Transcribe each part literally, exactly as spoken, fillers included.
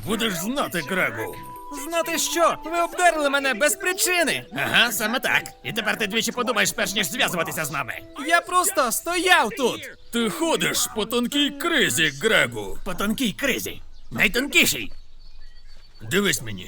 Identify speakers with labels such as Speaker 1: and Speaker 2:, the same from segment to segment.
Speaker 1: Будеш знати, Грегу.
Speaker 2: Знати що? Ви обдерли мене без причини.
Speaker 1: Ага, саме так. І тепер ти двічі подумаєш, перш ніж зв'язуватися з нами.
Speaker 2: Я просто стояв тут.
Speaker 1: Ти ходиш по тонкій кризі, Грегу. По тонкій кризі. Найтонкішій. Дивись мені.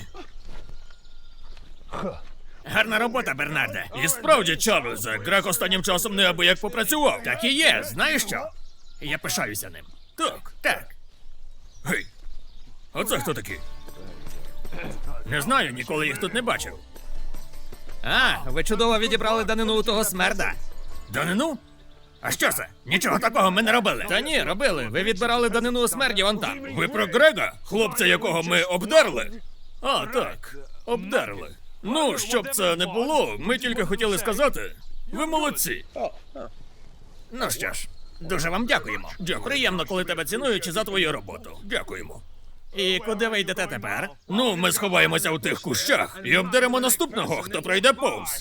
Speaker 1: Гарна робота, Бернарде. І справді, Чарльзе, Грег останнім часом неабияк попрацював. Так і є, знаєш що? Я пишаюся ним. Так, так. Гей, а це хто такі? Не знаю, ніколи їх тут не бачив.
Speaker 2: А, ви чудово відібрали данину у того смерда.
Speaker 1: Данину? А що це? Нічого такого ми не робили.
Speaker 2: Та ні, робили. Ви відбирали данину у смерді вон там.
Speaker 1: Ви про Грега? Хлопця, якого ми обдерли? А, так, обдерли. Ну, щоб це не було, ми тільки хотіли сказати, ви молодці. Ну що ж, дуже вам дякуємо. Дякую. Приємно, коли тебе цінують за твою роботу. Дякуємо.
Speaker 2: І куди ви йдете тепер?
Speaker 1: Ну, ми сховаємося у тих кущах і обдеремо наступного, хто пройде повз.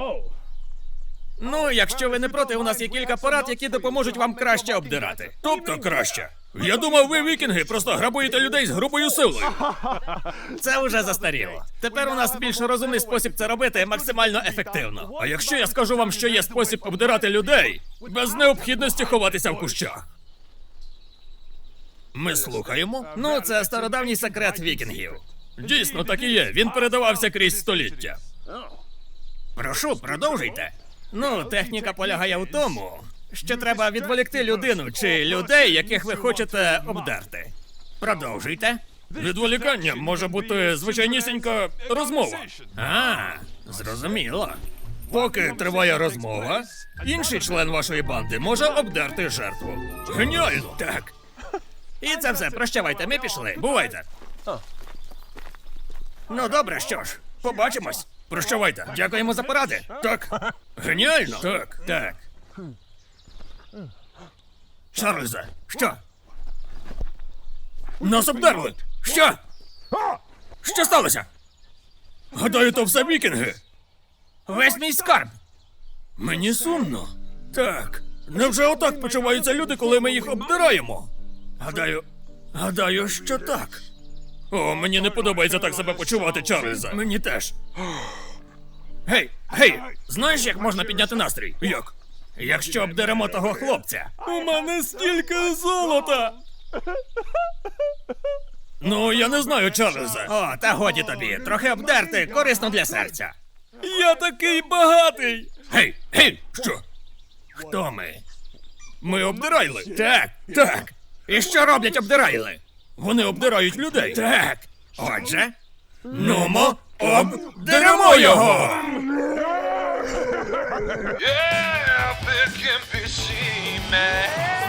Speaker 2: Ну, якщо ви не проти, у нас є кілька порад, які допоможуть вам краще обдирати.
Speaker 1: Тобто краще. Я думав, ви вікінги просто грабуєте людей з грубою силою.
Speaker 2: Це вже застаріло. Тепер у нас більш розумний спосіб це робити максимально ефективно.
Speaker 1: А якщо я скажу вам, що є спосіб обдирати людей без необхідності ховатися в кущах? Ми слухаємо?
Speaker 2: Ну, це стародавній секрет вікінгів.
Speaker 1: Дійсно, так і є. Він передавався крізь століття.
Speaker 2: Прошу, продовжуйте. Ну, техніка полягає в тому, що треба відволікти людину чи людей, яких ви хочете обдерти. Продовжуйте.
Speaker 1: Відволікання може бути звичайнісінька розмова.
Speaker 2: А, зрозуміло.
Speaker 1: Поки триває розмова, інший член вашої банди може обдерти жертву. Геніально!
Speaker 2: Так. І це все, прощавайте, ми пішли. Бувайте. Ну, добре, що ж, побачимось.
Speaker 1: Прощавайте.
Speaker 2: Дякуємо за поради.
Speaker 1: Так. Геніально? Так.
Speaker 2: Так.
Speaker 1: Чарльзе, що? Нас обдерли! Що? Що сталося? Гадаю, то все вікінги.
Speaker 2: Весь мій скарб.
Speaker 1: Мені сумно. Так. Невже отак почуваються люди, коли ми їх обдираємо? Гадаю, гадаю, що так. О, мені не подобається так себе почувати, Чарльзе. Мені теж. Гей, гей, знаєш, як можна підняти настрій? Як?
Speaker 2: Якщо обдеремо того хлопця.
Speaker 1: У мене стільки золота! Ну, я не знаю, Чарльзе.
Speaker 2: О, та годі тобі. Трохи обдерти, корисно для серця.
Speaker 1: Я такий багатий! Гей, гей, що?
Speaker 2: Хто ми?
Speaker 1: Ми обдирайли?
Speaker 2: Так, так. І що роблять обдирайли?
Speaker 1: Вони обдирають людей.
Speaker 2: Так. Отже,
Speaker 1: Нумо, обдеремо його!
Speaker 3: Yeah, big can be seen, man.